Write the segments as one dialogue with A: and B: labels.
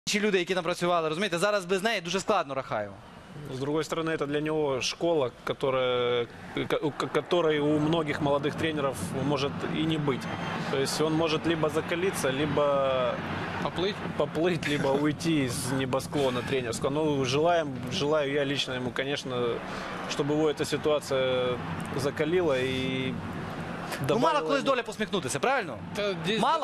A: інші люди, які там працювали, розумієте, зараз без неї дуже складно Рахаєву.
B: С другой стороны, это для него школа, которой у многих молодых тренеров может и не быть. То есть он может либо закалиться, либо поплыть, либо уйти из небосклона тренерского. Ну, желаю я лично ему, конечно, чтобы его эта ситуация закалила и добавила...
A: Ну, мало колись доля посміхнутися, правильно? Мало?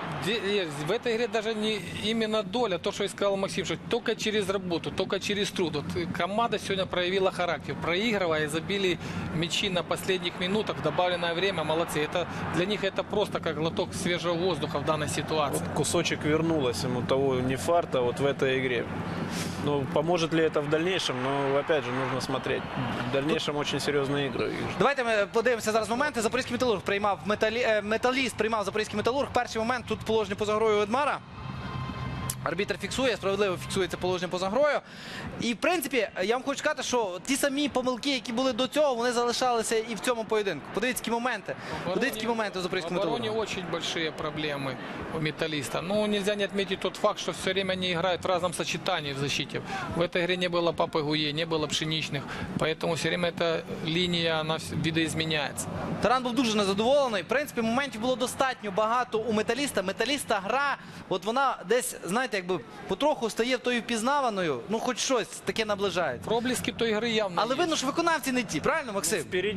C: В этой игре даже не именно доля, то, что и сказал Максим, что только через работу, только через труд. Вот команда сегодня проявила характер, проигрывая, забили мячи на последних минутах, добавленное время, молодцы. Это, для них это просто как глоток свежего воздуха в данной ситуации.
B: Вот кусочек вернулось ему того не фарта вот в этой игре. Ну, поможет ли это в дальнейшем? Но, опять же, нужно смотреть. В дальнейшем очень серьезные игры.
A: Давайте ми подивимося зараз моменти. Запорізький металург приймав металіст, приймав Запорізький металург. Перший момент тут положення поза грою Ведмара. Арбітр фіксує, справедливо фіксується положення поза грою. І, в принципі, я вам хочу сказати, що ті самі помилки, які були до цього, вони залишалися і в цьому поєдинку. Подивіться, які моменти. Подивіться, які моменти у Запорізького металурга.
C: В обороне очень большие проблемы у металлиста. Но нельзя не отметить тот факт, что все время они играют в разном сочетании в защите. В этой игре не было Папы Гуе, не было Пшеничных. Поэтому все время эта линия, она видоизменяется.
A: Таран був дуже незадоволений. В принципі, моментів було достатньо багато у металіста. Металіста гра, от вона десь, знаєте, якби потроху стає тою впізнаваною. Ну, хоч щось таке наближається.
C: Проблески той игры явно
A: Але видно, що виконавці не ті, правильно, Максим?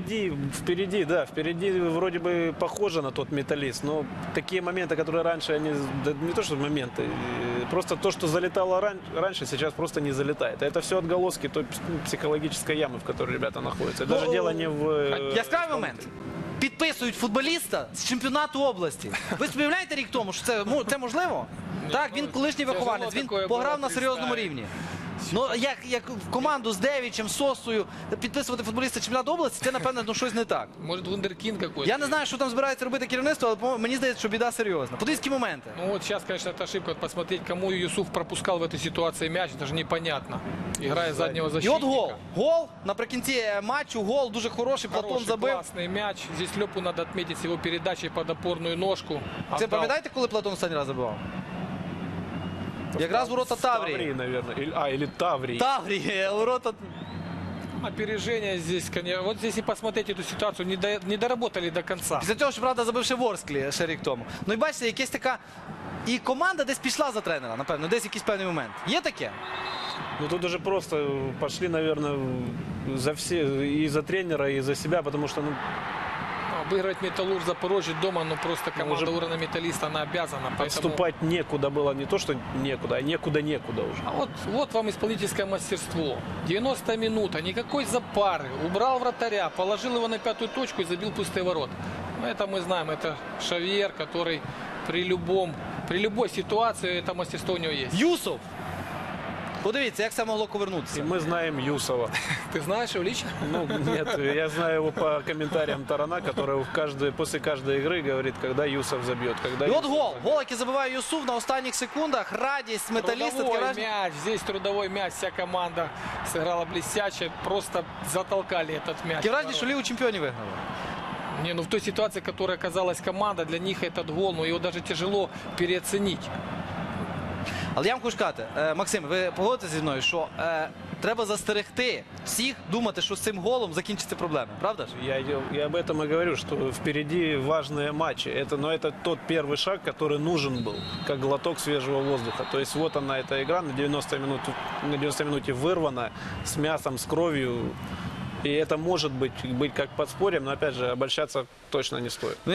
B: Впереди вроде бы похоже на тот металлист, но такие моменты, которые раньше, они, да не то что моменты, просто то, что залетало раньше, сейчас просто не залетает. Это все отголоски той психологической ямы, в которой ребята находятся. Даже дело не в...
A: Яскравий момент. Підписують футболіста з чемпіонату області. Ви сподіваєте рік тому, що це можливо? Так, він колишній вихованець, він пограв на серйозному рівні. Ну, як в команду з Девічем, з Сосою підписувати футболіста чемпіонату області, це, напевно, щось не так.
C: Може, вундеркінд какой-то.
A: Я не знаю, що там збирається робити керівництво, але мені здається, що біда серйозна. Подивіться моменти.
C: Ну вот сейчас, конечно, это ошибка. Вот посмотреть, кому Юсуф пропускал в этой ситуации мяч, это же непонятно. Играя заднего
A: І
C: защитника.
A: от гол. Гол наприкінці матчу, гол дуже хороший, Платон
C: Хороший,
A: забив.
C: классный мяч. Здесь Лепу надо отметить с его передачей под опорную ножку.
A: Це
C: Отдал.
A: пам'ятаєте, коли Платон останній раз забивав? Якраз ворота Таврії.
B: Таврии, наверное. Или Таврии.
A: Таврії, ворота...
C: Опережение здесь, конечно. Вот здесь и посмотреть эту ситуацию, не доработали до конца.
A: Після цього, щоправда, забивши Ворсклі ще рік тому. Ну і бачите, якась така... І команда десь пішла за тренера, напевно, десь якийсь певний момент. Є таке?
B: Ну тут уже просто пошли, наверное, за все, и за тренера, и за себя, потому что, ну,
C: Обыгрывать Металлург Запорожье дома, ну просто команда
B: уже
C: уровня Металлиста, она обязана. Поэтому...
B: отступать некуда было, не то что некуда, а некуда уже.
C: А вот вам исполнительское мастерство. 90 минута, никакой запары. Убрал вратаря, положил его на пятую точку и забил пустые ворота. Ну, это мы знаем, это Шавьер, который при любой ситуации это мастерство у него есть.
A: Юсов! Подивіться, як це могло
B: И
A: повернутися.
B: мы знаем Юсова.
C: Ты знаешь его лично?
B: Ну, нет, я знаю его по комментариям Тарана, который после каждой игры говорит, когда Юсов забьет. Когда
A: І от
B: Юсов
A: гол.
B: забьет.
A: Гол, який забиває Юсуф на останніх секундах. Радість металіста.
C: Трудовой мяч, здесь трудовой мяч, вся команда сыграла блестяще, просто затолкали этот мяч.
A: Таке враження, що Лігу чемпіонів виграли.
C: Не, ну в той ситуации, в которой оказалась команда, для них этот гол, ну его даже тяжело переоценить.
A: Але я вам хочу сказати, Максим, ви погодитеся зі мною, що треба застерегти всіх думати, що з цим голом закінчаться проблеми, правда ж?
B: Я об этом и говорю, что впереди важные матчи. Но это тот первый шаг, который нужен был, как глоток свежего воздуха. То есть вот она, эта игра на 90 минуте вырвана, с мясом, с кровью. И это может быть как подспорьем, но опять же обольщаться точно не стоит.